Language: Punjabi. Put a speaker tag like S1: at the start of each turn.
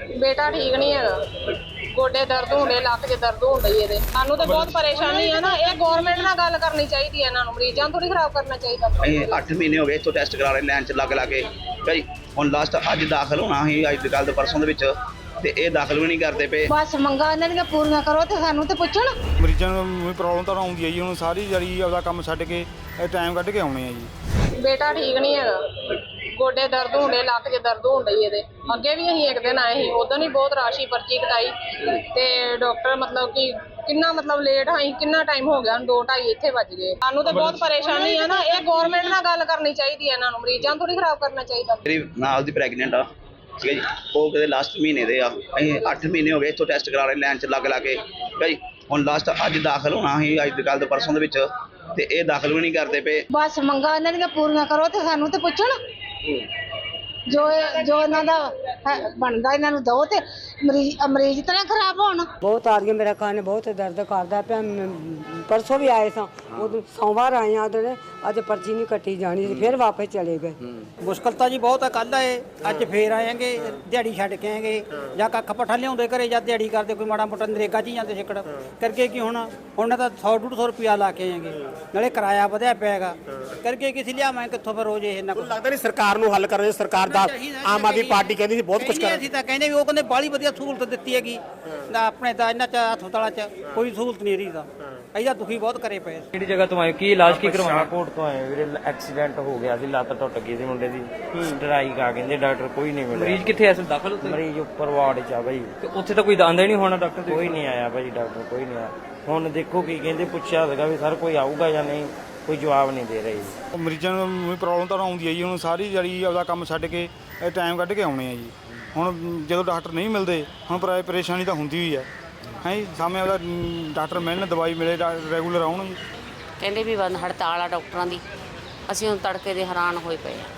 S1: ਬੇਟਾ ਠੀਕ ਨਹੀਂ ਹੈਗਾ, ਗੋਡੇ ਦਰਦ ਹੁੰਦੇ, ਲੱਕ 'ਚ ਦਰਦ ਹੁੰਦਾ ਹੀ ਇਹਦੇ। ਸਾਨੂੰ ਤਾਂ ਬਹੁਤ ਪਰੇਸ਼ਾਨੀ ਆ ਨਾ, ਇਹ ਗਵਰਨਮੈਂਟ ਨਾਲ ਗੱਲ ਕਰਨੀ ਚਾਹੀਦੀ ਹੈ, ਇਹਨਾਂ ਨੂੰ ਮਰੀਜ਼ਾਂ ਨੂੰ ਥੋੜੀ ਖਰਾਬ ਕਰਨਾ ਚਾਹੀਦਾ।
S2: ਅਸੀਂ 8 ਮਹੀਨੇ ਹੋ ਗਏ ਇੱਥੋਂ ਟੈਸਟ ਕਰਾ ਰਹੇ ਲਾਈਨ 'ਚ ਲੱਗ ਭਾਈ ਹੁਣ ਲਾਸਟ ਅੱਜ ਦਾਖਲ ਹੋਣਾ ਸੀ, ਅੱਜ ਕੱਲ੍ਹ ਦੇ ਪਰਸੋਂ ਦੇ ਵਿੱਚ, ਤੇ ਇਹ ਦਾਖਲ ਵੀ ਨਹੀਂ ਕਰਦੇ ਪਏ।
S3: ਬਸ ਮੰਗਾਂ ਇਹਨਾਂ ਦੀਆਂ ਪੂਰੀਆਂ ਕਰੋ ਤੇ ਸਾਨੂੰ ਤੇ ਪੁੱਛਣ।
S4: ਮਰੀਜ਼ਾਂ ਨੂੰ ਪ੍ਰੋਬਲਮ ਤਾਂ ਆਉਂਦੀ ਹੈ ਜੀ, ਹੁਣ ਸਾਰੀ ਜਿਹੜੀ ਆਪਦਾ ਕੰਮ ਛੱਡ ਕੇ ਟਾਈਮ ਕੱਢ ਕੇ ਆਉਣੇ ਆ ਜੀ।
S1: ਬੇਟਾ ਠੀਕ ਨਹੀਂ ਹੈਗਾ, ਗੋਡੇ ਦਰਦ ਹੁੰਦੇ, ਲੱਕ 'ਚ ਦਰਦ ਹੁੰਦਾ ਹੀ ਇਹਦੇ। ਅੱਗੇ ਵੀ ਅਸੀਂ ਇੱਕ ਦਿਨ ਆਏ ਸੀ, ਉਦੋਂ ਹੀ ਬਹੁਤ ਰਾਸ਼ੀ ਪਰਚੀ ਕਟਾਈ ਤੇ ਡਾਕਟਰ ਮਤਲਬ ਕਿ ਕਿੰਨਾ ਲੇਟ ਆਈ, ਕਿੰਨਾ ਟਾਈਮ ਹੋ ਗਿਆ, 2:30 ਇੱਥੇ ਵੱਜ ਗਏ। ਸਾਨੂੰ ਤਾਂ ਬਹੁਤ ਪਰੇਸ਼ਾਨੀ ਆ ਨਾ, ਇਹ ਗਵਰਨਮੈਂਟ ਨਾਲ ਗੱਲ ਕਰਨੀ ਚਾਹੀਦੀ ਹੈ, ਇਹਨਾਂ ਨੂੰ ਮਰੀਜ਼ਾਂ ਨੂੰ ਥੋੜੀ ਖਰਾਬ ਕਰਨਾ ਚਾਹੀਦਾ।
S2: ਮੇਰੀ ਨਾਲ ਦੀ ਪ੍ਰੈਗਨੈਂਟ ਆ, ਠੀਕ ਹੈ ਜੀ, ਉਹ ਕਿਤੇ ਲਾਸਟ ਮਹੀਨੇ ਦੇ ਆ। ਅਸੀਂ 8 ਮਹੀਨੇ ਹੋ ਗਏ ਇੱਥੋਂ ਟੈਸਟ ਕਰਾ ਰਹੇ ਲਾਈਨ 'ਚ ਲੱਗ ਭਾਈ ਹੁਣ ਲਾਸਟ ਅੱਜ ਦਾਖਲ ਹੋਣਾ ਸੀ, ਅੱਜ ਕੱਲ੍ਹ ਦੇ ਪਰਸੋਂ ਦੇ ਵਿੱਚ, ਤੇ ਇਹ ਦਾਖਲ ਵੀ ਨਹੀਂ ਕਰਦੇ ਪਏ।
S3: ਬਸ ਮੰਗਾਂ ਇਹਨਾਂ ਦੀਆਂ ਪੂਰੀਆਂ ਕਰੋ ਤੇ ਸਾਨੂੰ ਤੇ ਪੁੱਛਣ। ਜੋ ਇਹਨਾਂ ਦਾ ਬਣਦਾ ਇਹਨਾਂ ਨੂੰ ਦਿਓ ਤੇ ਮਰੀਜ਼ ਤਾਂ ਨਾ ਖਰਾਬ ਹੋਣ।
S5: ਬਹੁਤ ਆ ਰਹੀਆਂ, ਮੇਰਾ ਕੰਨ ਬਹੁਤ ਦਰਦ ਕਰਦਾ ਪਿਆ। ਪਰਸੋਂ ਵੀ ਆਏ ਸਾਂ, ਉਦੋਂ ਸੋਮਵਾਰ ਆਏ ਆ, ਉਹਦੇ ਅੱਜ ਪਰਚੀ ਨਹੀਂ ਕੱਟੀ ਜਾਣੀ ਸੀ, ਫਿਰ ਵਾਪਸ ਚਲੇ ਗਏ।
S6: ਮੁਸ਼ਕਲ ਤਾਂ ਜੀ ਬਹੁਤ ਆ। ਕੱਲ੍ਹ ਆਏ, ਅੱਜ ਫੇਰ ਆਏਗੇ, ਦਿਹਾੜੀ ਛੱਡ ਕੇ ਆਏਗੇ, ਜਾਂ ਕੱਖ ਪੱਠਾ ਲਿਆਉਂਦੇ ਘਰੇ, ਜਾਂ ਦਿਹਾੜੀ ਕਰਦੇ, ਕੋਈ ਮਾੜਾ ਮੋਟਾ ਨਰੇਗਾ 'ਚ ਹੀ ਜਾਂਦੇ ਛਿੱਕੜ ਕਰਕੇ। ਕੀ ਹੁਣ ਤਾਂ 100-150 ਰੁਪਇਆ ਲਾ ਕੇ ਆਏਗੇ, ਨਾਲੇ ਕਿਰਾਇਆ ਵਧਿਆ ਪਿਆ ਹੈਗਾ ਕਰਕੇ। ਕਿਸੇ ਲਿਆਵਾਂ ਕਿੱਥੋਂ ਫਿਰ ਰੋਜ਼ ਇਹ ਇੰਨਾ ਕੁਝ
S7: ਲੱਗਦਾ ਨਹੀਂ ਸਰਕਾਰ ਨੂੰ ਹੱਲ ਕਰਨ। ਸਰਕਾਰ ਦਾ ਆਮ ਆਦਮੀ ਪਾਰਟੀ ਕਹਿੰਦੀ ਸੀ ਬਹੁਤ ਕੁਝ ਕਰ।
S6: ਅਸੀਂ ਤਾਂ ਕਹਿੰਦੇ ਵੀ ਉਹ ਕਹਿੰਦੇ ਬਾਹਲੀ ਵਧੀਆ ਸਹੂਲਤ ਦਿੱਤੀ ਹੈਗੀ, ਆਪਣੇ ਤਾਂ ਇਹਨਾਂ 'ਚ ਹਸਪਤਾਲਾਂ 'ਚ ਕੋਈ ਸਹੂਲਤ ਨਹੀਂ ਰਹੀ। ਤਾਂ ਅਸੀਂ ਦੁਖੀ ਬਹੁਤ ਕਰੇ ਪਏ।
S8: ਕਿਹੜੀ ਜਗ੍ਹਾ ਤੋਂ ਆਏ, ਕੀ ਇਲਾਜ ਕੀ ਕਰਵਾਉਣਾ? ਕੋਟ ਤੋਂ ਆਏ ਵੀਰੇ, ਐਕਸੀਡੈਂਟ ਹੋ ਗਿਆ ਸੀ, ਲੱਤ ਟੁੱਟ ਗਈ ਸੀ ਮੁੰਡੇ ਦੀ, ਸਟ੍ਰਾਈਕ ਆ, ਕਹਿੰਦੇ ਡਾਕਟਰ ਕੋਈ ਨਹੀਂ ਮਿਲਿਆ। ਮਰੀਜ਼ ਕਿੱਥੇ ਐ? ਦਾਖਲ ਉੱਥੇ? ਮਰੀਜ਼ ਉੱਪਰ ਵਾਰਡ 'ਚ ਆ ਬਾਈ, ਤੇ ਉੱਥੇ ਤਾਂ ਕੋਈ ਆਂਦਾ ਹੀ ਨਹੀਂ ਹੋਣਾ ਡਾਕਟਰ? ਕੋਈ ਨਹੀਂ ਆਇਆ ਭਾਈ, ਡਾਕਟਰ ਕੋਈ ਨਹੀਂ ਆਇਆ। ਹੁਣ ਦੇਖੋ ਕੀ ਕਹਿੰਦੇ, ਪੁੱਛਿਆ ਸੀਗਾ ਵੀ ਸਰ ਕੋਈ ਆਊਗਾ ਜਾਂ ਨਹੀਂ, ਕੋਈ ਜਵਾਬ ਨਹੀਂ ਦੇ ਰਹੇ।
S4: ਮਰੀਜ਼ਾਂ ਨੂੰ ਪ੍ਰੋਬਲਮ ਤਾਂ ਆਉਂਦੀ ਹੈ ਜੀ, ਹੁਣ ਸਾਰੀ ਜਿਹੜੀ ਆਪਦਾ ਕੰਮ ਛੱਡ ਕੇ ਟਾਈਮ ਕੱਢ ਕੇ ਆਉਣੇ ਆ ਜੀ। ਹੁਣ ਜਦੋਂ ਡਾਕਟਰ ਨਹੀਂ ਮਿਲਦੇ, ਹੁਣ ਪਰੇਸ਼ਾਨੀ ਤਾਂ ਹੁੰਦੀ ਹੋਈ ਹੈ ਜੀ। ਸਾਹਮਣੇ ਆਪਦਾ ਡਾਕਟਰ ਮਿਲਣ, ਦਵਾਈ ਮਿਲੇ, ਰੈਗੂਲਰ ਆਉਣ ਜੀ।
S9: ਕਹਿੰਦੇ ਵੀ ਬੰਦ ਹੜਤਾਲ ਆ ਡਾਕਟਰਾਂ ਦੀ। ਅਸੀਂ ਹੁਣ ਤੜਕੇ ਦੇ ਹੈਰਾਨ ਹੋਏ ਪਏ ਆ।